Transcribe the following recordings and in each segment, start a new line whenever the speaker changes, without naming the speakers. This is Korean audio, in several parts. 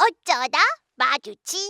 어쩌다 마주친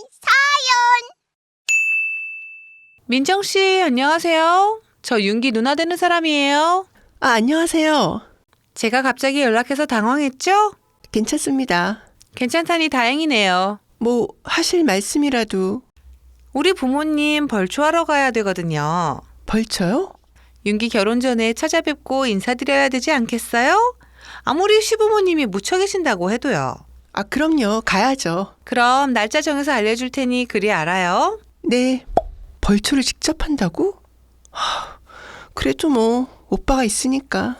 민정 씨, 안녕하세요. 저 윤기 누나 되는 사람이에요.
안녕하세요.
제가 갑자기 연락해서 당황했죠?
괜찮습니다.
괜찮다니 다행이네요.
뭐 하실 말씀이라도.
우리 부모님 벌초하러 가야 되거든요.
벌쳐요?
윤기 결혼 전에 찾아뵙고 인사드려야 되지 않겠어요? 아무리 시부모님이 묻혀 계신다고 해도요.
그럼요. 가야죠.
그럼 날짜 정해서 알려줄 테니 그리 알아요.
네. 벌초를 직접 한다고? 그래도 뭐 오빠가 있으니까.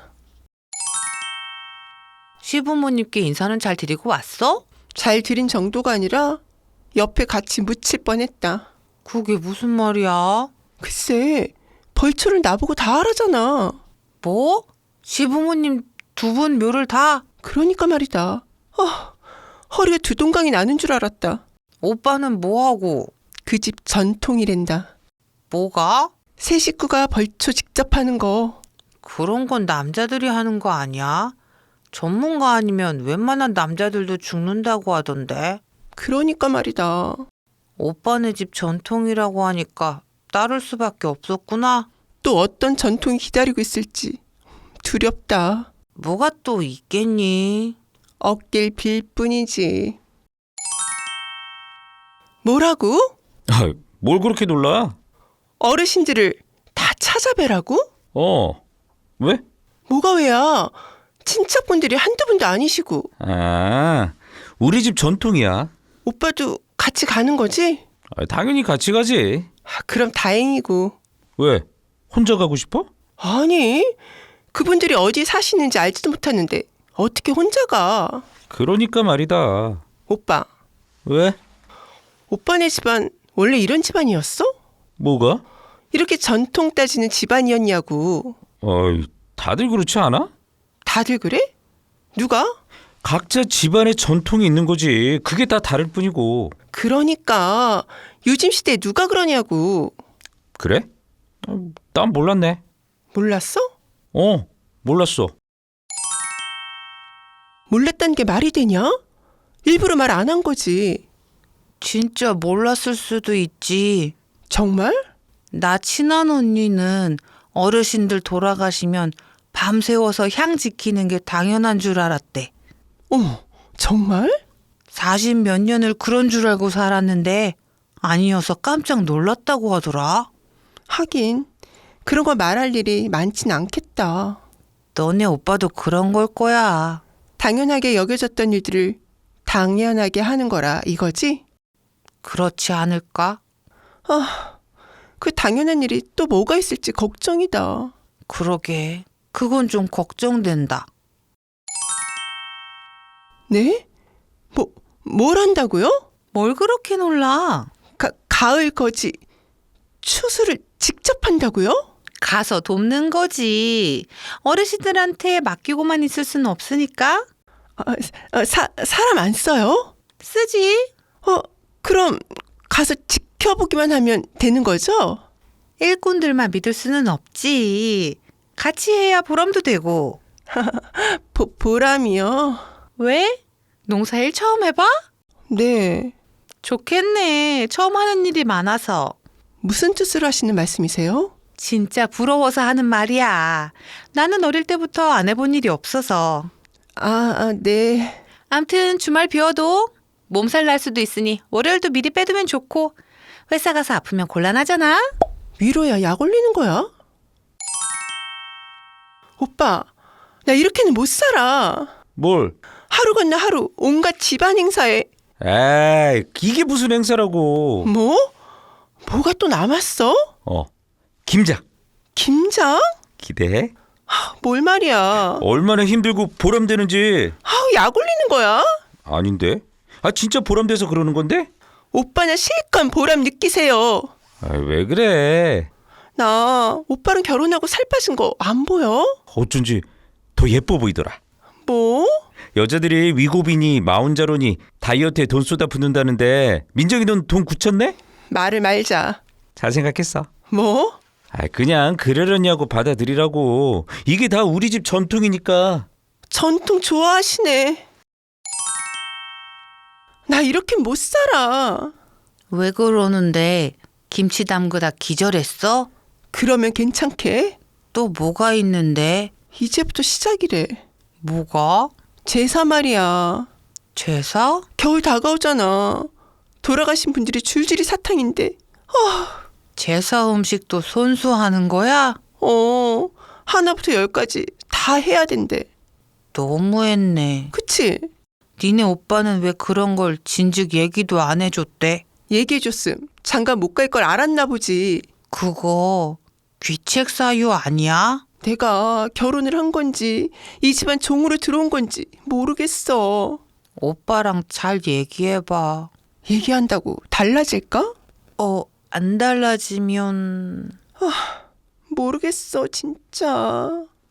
시부모님께 인사는 잘 드리고 왔어?
잘 드린 정도가 아니라 옆에 같이 묻힐 뻔했다.
그게 무슨 말이야?
글쎄, 벌초를 나보고 다 하라잖아.
뭐? 시부모님 두 분 묘를 다?
그러니까 말이다. 허리가 두 동강이 나는 줄 알았다.
오빠는 뭐하고?
그 집 전통이란다.
뭐가?
새 식구가 벌초 직접 하는 거.
그런 건 남자들이 하는 거 아니야? 전문가 아니면 웬만한 남자들도 죽는다고 하던데.
그러니까 말이다.
오빠네 집 전통이라고 하니까 따를 수밖에 없었구나.
또 어떤 전통이 기다리고 있을지 두렵다.
뭐가 또 있겠니?
어길 빌 뿐이지. 뭐라고?
뭘 그렇게 놀라?
어르신들을 다 찾아뵈라고?
왜?
뭐가 왜야? 친척분들이 한두 분도 아니시고.
우리 집 전통이야.
오빠도 같이 가는 거지?
당연히 같이 가지.
그럼 다행이고.
왜? 혼자 가고 싶어?
아니, 그분들이 어디 사시는지 알지도 못하는데 어떻게 혼자 가?
그러니까 말이다.
오빠,
왜?
오빠네 집안 원래 이런 집안이었어?
뭐가?
이렇게 전통 따지는 집안이었냐고.
다들 그렇지 않아?
다들 그래? 누가?
각자 집안의 전통이 있는 거지. 그게 다 다를 뿐이고.
그러니까 요즘 시대에 누가 그러냐고.
그래? 난 몰랐네.
몰랐어?
몰랐어.
몰랐다는 게 말이 되냐? 일부러 말 안 한 거지.
진짜 몰랐을 수도 있지.
정말?
나 친한 언니는 어르신들 돌아가시면 밤새워서 향 지키는 게 당연한 줄 알았대.
어머, 정말?
40 몇 년을 그런 줄 알고 살았는데 아니어서 깜짝 놀랐다고 하더라.
하긴 그런 거 말할 일이 많진 않겠다.
너네 오빠도 그런 걸 거야.
당연하게 여겨졌던 일들을 당연하게 하는 거라 이거지?
그렇지 않을까?
그 당연한 일이 또 뭐가 있을지 걱정이다.
그러게. 그건 좀 걱정된다.
네? 뭘 한다고요?
뭘 그렇게 놀라?
가을 거지 추수를 직접 한다고요?
가서 돕는 거지. 어르신들한테 맡기고만 있을 수는 없으니까.
사람 안 써요?
쓰지.
그럼 가서 지켜보기만 하면 되는 거죠?
일꾼들만 믿을 수는 없지. 같이 해야 보람도 되고.
보람이요?
왜? 농사일 처음 해봐?
네.
좋겠네. 처음 하는 일이 많아서.
무슨 뜻으로 하시는 말씀이세요?
진짜 부러워서 하는 말이야. 나는 어릴 때부터 안 해본 일이 없어서.
네.
암튼 주말 비워도 몸살 날 수도 있으니 월요일도 미리 빼두면 좋고 회사 가서 아프면 곤란하잖아.
위로야 약 올리는 거야? 오빠, 나 이렇게는 못 살아.
뭘?
하루 건너 하루 온갖 집안 행사에.
이게 무슨 행사라고.
뭐? 뭐가 또 남았어?
김장.
김장?
기대해.
뭘 말이야.
얼마나 힘들고 보람되는지.
약 올리는 거야?
아닌데? 진짜 보람돼서 그러는 건데?
오빠나 실컷 보람 느끼세요.
왜 그래?
나 오빠랑 결혼하고 살 빠진 거 안 보여?
어쩐지 더 예뻐 보이더라.
뭐?
여자들이 위고비니 마흔자로니 다이어트에 돈 쏟아 붓는다는데 민정이 넌 돈 굳혔네?
말을 말자.
잘 생각했어.
뭐?
그냥 그러려냐고 받아들이라고. 이게 다 우리 집 전통이니까.
전통 좋아하시네. 나 이렇게 못 살아.
왜 그러는데? 김치 담그다 기절했어?
그러면 괜찮게?
또 뭐가 있는데?
이제부터 시작이래.
뭐가?
제사 말이야.
제사?
겨울 다가오잖아. 돌아가신 분들이 줄줄이 사탕인데.
제사 음식도 손수하는 거야?
하나부터 10까지 다 해야 된대.
너무했네.
그치?
니네 오빠는 왜 그런 걸 진즉 얘기도 안 해줬대?
얘기해줬음. 장가 못 갈 걸 알았나 보지.
그거 귀책 사유 아니야?
내가 결혼을 한 건지 이 집안 종으로 들어온 건지 모르겠어.
오빠랑 잘 얘기해봐.
얘기한다고 달라질까?
안 달라지면...
모르겠어 진짜.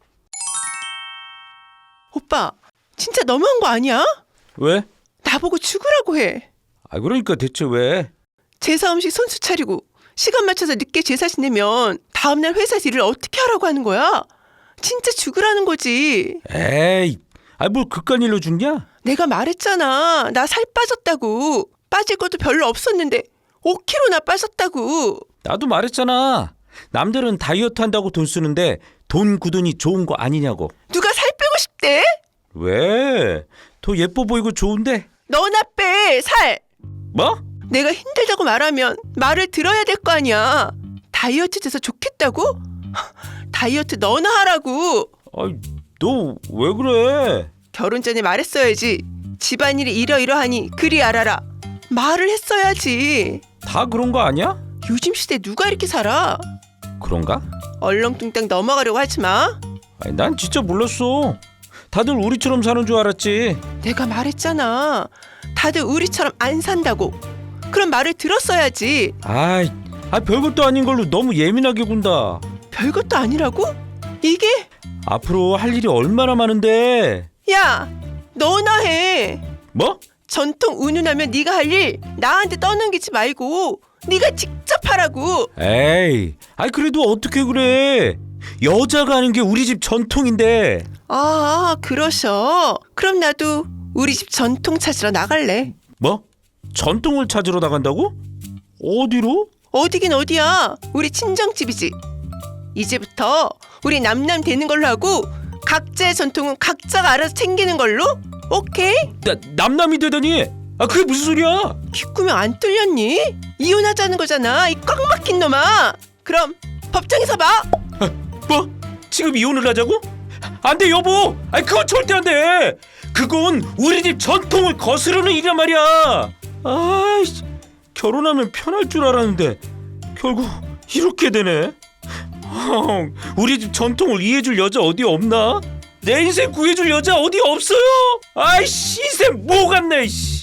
오빠 진짜 너무한 거 아니야?
왜?
나보고 죽으라고 해.
아 그러니까 대체 왜?
제사 음식 손수 차리고 시간 맞춰서 늦게 제사 지내면 다음날 회사에서 일을 어떻게 하라고 하는 거야? 진짜 죽으라는 거지.
에이, 뭘 그깟 일로 죽냐?
내가 말했잖아. 나 살 빠졌다고. 빠질 것도 별로 없었는데 5kg나 빠졌다고.
나도 말했잖아. 남들은 다이어트 한다고 돈 쓰는데 돈 굳으니 좋은 거 아니냐고.
누가 살 빼고 싶대?
왜? 더 예뻐 보이고 좋은데?
너나 빼 살.
뭐?
내가 힘들다고 말하면 말을 들어야 될 거 아니야. 다이어트 돼서 좋겠다고? 다이어트 너나 하라고.
아이, 너 왜 그래?
결혼 전에 말했어야지. 집안일이 이러이러하니 그리 알아라. 말을 했어야지.
다 그런 거 아니야?
요즘 시대 누가 이렇게 살아?
그런가?
얼렁뚱땅 넘어가려고 하지 마.
아니, 난 진짜 몰랐어. 다들 우리처럼 사는 줄 알았지.
내가 말했잖아. 다들 우리처럼 안 산다고. 그런 말을 들었어야지.
아이, 별것도 아닌 걸로 너무 예민하게 군다.
별것도 아니라고? 이게?
앞으로 할 일이 얼마나 많은데.
야, 너나 해.
뭐?
전통 운운하면 네가 할 일 나한테 떠넘기지 말고 네가 직접 하라고.
에이, 그래도 어떻게 그래? 여자가 하는 게 우리 집 전통인데.
아, 그러셔. 그럼 나도 우리 집 전통 찾으러 나갈래.
뭐? 전통을 찾으러 나간다고? 어디로?
어디긴 어디야. 우리 친정집이지. 이제부터 우리 남남 되는 걸로 하고 각자의 전통은 각자가 알아서 챙기는 걸로? 오케이?
남남이 되다니? 그게 무슨 소리야?
귓구멍 안 뚫렸니? 이혼하자는 거잖아. 이 꽉 막힌 놈아. 그럼 법정에서 봐.
뭐? 지금 이혼을 하자고? 안 돼, 여보. 그건 절대 안 돼. 그건 우리 집 전통을 거스르는 일이란 말이야. 아이씨, 결혼하면 편할 줄 알았는데 결국 이렇게 되네. 우리 집 전통을 이해해줄 여자 어디 없나? 내 인생 구해줄 여자 어디 없어요? 아이씨, 인생 뭐 같네. 씨.